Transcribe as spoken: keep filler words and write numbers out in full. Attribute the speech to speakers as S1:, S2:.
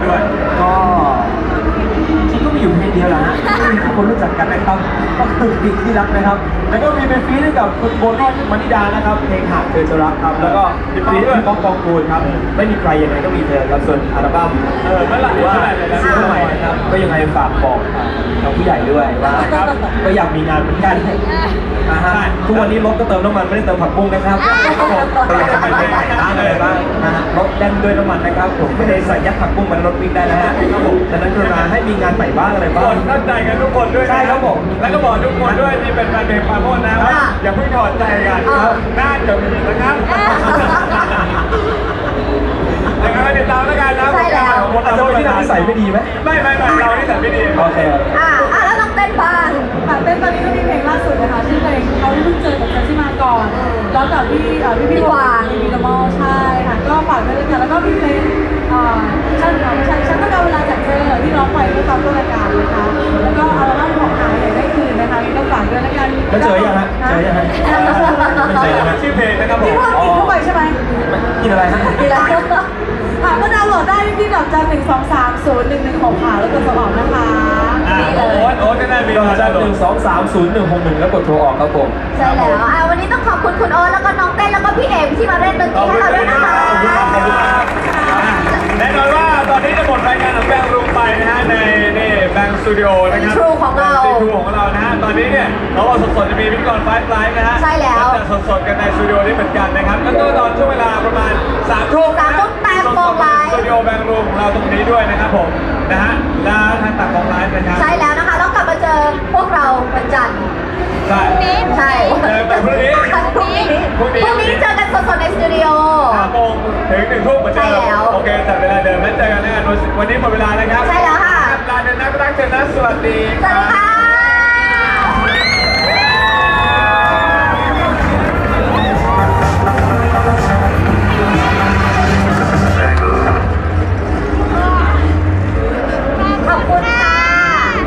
S1: ด้วย
S2: ก็จริงก็มีอยู่เพลงเดียวแหละฮะที่ทุกคนรู้จักกันนะครับก็คือเพลงที่รักนะครับแล้วก็มีเป็นฟีดให้กับคุณโบลี่มณิดานะครับเพลงหากเธอจะรักครับแล้วก็มีฟีดพี่ป๊อกปองกูลครับไม่มีใครยังไงก็มีเธอครับส่วนอัลบั้ม
S1: เออเมื่อไหร่
S2: หรือว่า
S1: เมื่อไหร่เลยนะ
S2: ซิงเกิลใหม่นะครับก็ยังไงฝากบอกทางผู้ใหญ่ด้วยว่าก็อยากมีงานเหมือนกันนะฮะทุกวันนี้รถก็เติมน้ำมันไม่ได้เติมผักบุ้งนะครับก็อยากจะไปไหนบ้างอะไรบ้างนะฮะรถแล่นด้วยน้ำมันนะครับผมไม่ได้ใส่ยัดผักบุ้งมันรถวิ่งได้นะฮะครับผมดังนั้นกรุณาให้มีงานใหม่บ้างอะไร
S1: ทุก
S2: บ้า
S1: ค
S2: ง
S1: นเข้าใจกันทุกคนด้วยนะ
S2: ใช่ครับผม
S1: แล้วก็บอกทุกคนด้วยที่เป็นแฟนเพลงปาโมดนะว่าอย่าเพิ่งถอดใจกันครับน่าจะมีนะครับยังไงก็ติดตามแล้วกันนะ
S3: ใช่แล้ว
S2: อาจจะเป็นที่เรานิสัยไม่ดีไหม
S1: ไม่ไม่ไม่เราที่สัยไม่ดี
S2: โอเค
S3: อ่ะอ่ะแล้วน้องเต้นบ้าง
S4: ค่ะเต้นตอนนี้ก็มีเพลงล่าสุดนะคะชื่อเพลงเขาเพิ่งเจอกับฉันที่มาก่อนแล้วกับพี่เอ่อพี่พี่วางมีดมอลใช่ค่ะก็ฝากด้วยเลยค่ะแล้วก็มีเพลงเอ่อฉันของฉันฉันต้องการเวลาจากเธอที่ร้องไปเมื่อตอนต้นรายการนะคะแล้วก็อัลบั้มของหายอยากได้คืนนะคะมีก็ฝากด้วยแล้วกัน
S2: แล้วเจอยังฮะเจอยังฮะไม่เจอยังฮะ
S1: ชื่อเพลงนะครับผ
S4: พี่
S1: ม
S4: ว่ากินเข้าไปใช่ไหม
S2: กินอะไรฮะ
S3: ดีแล้ว
S4: ค่ะก็ดาวน์โหลดได้ที่ดอกจันหนึ่งสองสามศูนย์หนึ่งหนึ่งหกค่ะแล้วก็สมัครนะคะ
S1: อ่าโอ๊ตโอ๊ตแน่ๆมี
S2: ดอกจัน
S1: ห
S2: หนึ่งสองสามศูนย์หนึ่งหกหนึ่งแล้วกดโทรออกครับผม
S3: ใช่แล้วอ่ะวันนี้ต้องขอบคุณคุณโอ๊ตแล้วก็น้องเต้นแล้วก็พี่เอกที่มาเล่นดนตรีให้เราด้วยนะคะ
S1: แน่นอนว่าตอนนี้จะหมดรายการของแบงค์รูมไปนะฮะในนี่แบงค์สตูดิโอนะครับ
S3: True ของเรา
S1: ซีทรูของเรานะฮะตอนนี้เนี่ยเราเอาสดๆจะมีพิธีกรไฟฟ์ไลฟ์นะฮะ
S3: ใช่แล้ว
S1: จะสดๆกันในสตูดิโอนี้เหมือนกันนะครับแล้วก็ตอนช่วงเวลาประมาณสามทุ่ม
S3: สามทุ่มแปดโมงไลฟ์
S1: สตูดิโอแบงค์รูมของเราตรงนี้ด้วยนะครับผมนะฮะแล้วทางต่างของไลฟ์นะครับ
S3: ใช่แล้วนะคะแล้วกลับมาเจอพวกเราวันจันทร์
S1: ใช่
S3: ใช่
S1: เจอกันพรุ่งนี้
S3: พรุ่งนี้
S1: พรุ่งนี้
S3: พรุ่งนี้เจอกันสดๆในสตูดิโอ
S1: ห้าโมงถึงหนึ่งทุ่มเหมือนเดิ
S3: ใช่
S1: ม
S3: แล้ว
S1: โอเคจัดเวลาเดิมแล้วเจอกันแน่วันนี้หมดเวลาแล้วครับ
S3: ใช่แล้วค่ะ
S1: ลาเดินนักรักเจอนะสวัสดี
S3: สวัสดีค่ะ